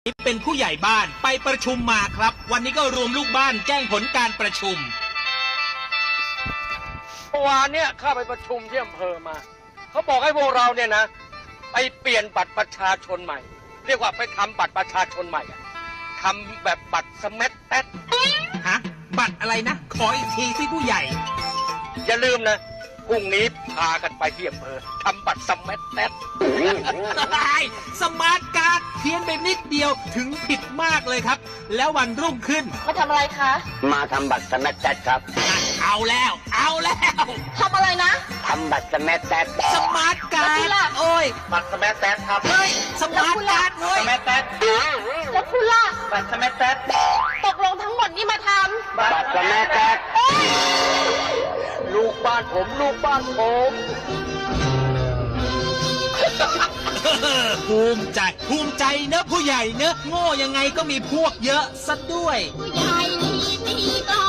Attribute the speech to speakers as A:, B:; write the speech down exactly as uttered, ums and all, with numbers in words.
A: นี่เป็นผู้ใหญ่บ้านไปประชุมมาครับ วันนี้ก็รวมลูกบ้านแจ้งผลการประชุม
B: เมื่อวานเนี่ยข้าไปประชุมที่อำเภอมาเขาบอกให้พวกเราเนี่ยนะ ไปเปลี่ยนบัตรประชาชนใหม่ เรียกว่าไปทำบัตรประชาชนใหม่อะทำแบบบัตรสแมัตแต๊ด
A: ฮะ บัตรอะไรนะ ขออีกทีสิผู้ใหญ่
B: อย่าลืมนะพรุ่งนี้พากันไปที่อำเภอทำบัตรสแมัตแต๊ด
A: สมาร์ทการ์ดเพี้ยนไปนิดเดียวถึงผิดมากเลยครับ แล้ววันรุ่งขึ้น
C: มาทำอะไรคะ
D: มาทำบัตรสแมัตแต๊ดครับ
A: เอาแล้ว เอาแล้ว
C: ทำอะไรนะ
D: ทำบัตรสแมัตแต๊ด
A: สมาร์ทการ์
C: แล้วพี่
A: ด
C: ล่ะ
A: โอ้ย
B: บัตรสแมัตแต๊ดครับ
A: เฮ้ยสมาร์ทการ์ดเว้ย
B: สแมัตแต๊ด
C: แล้วคุณล่ะ
B: บัตรสแมัตแต๊ด
C: ตกลงทั้งหมดนี่มาท
D: บัตรสแมัตแต๊ด
B: ลูกบ้านผมลูกบ้านผม
A: ภูมิใจ ภูมิใจเนอะผู้ใหญ่เนอะโง่ยังไงก็มีพวกเยอะซะด้วย
C: ำผู้ใหญ่ดีก็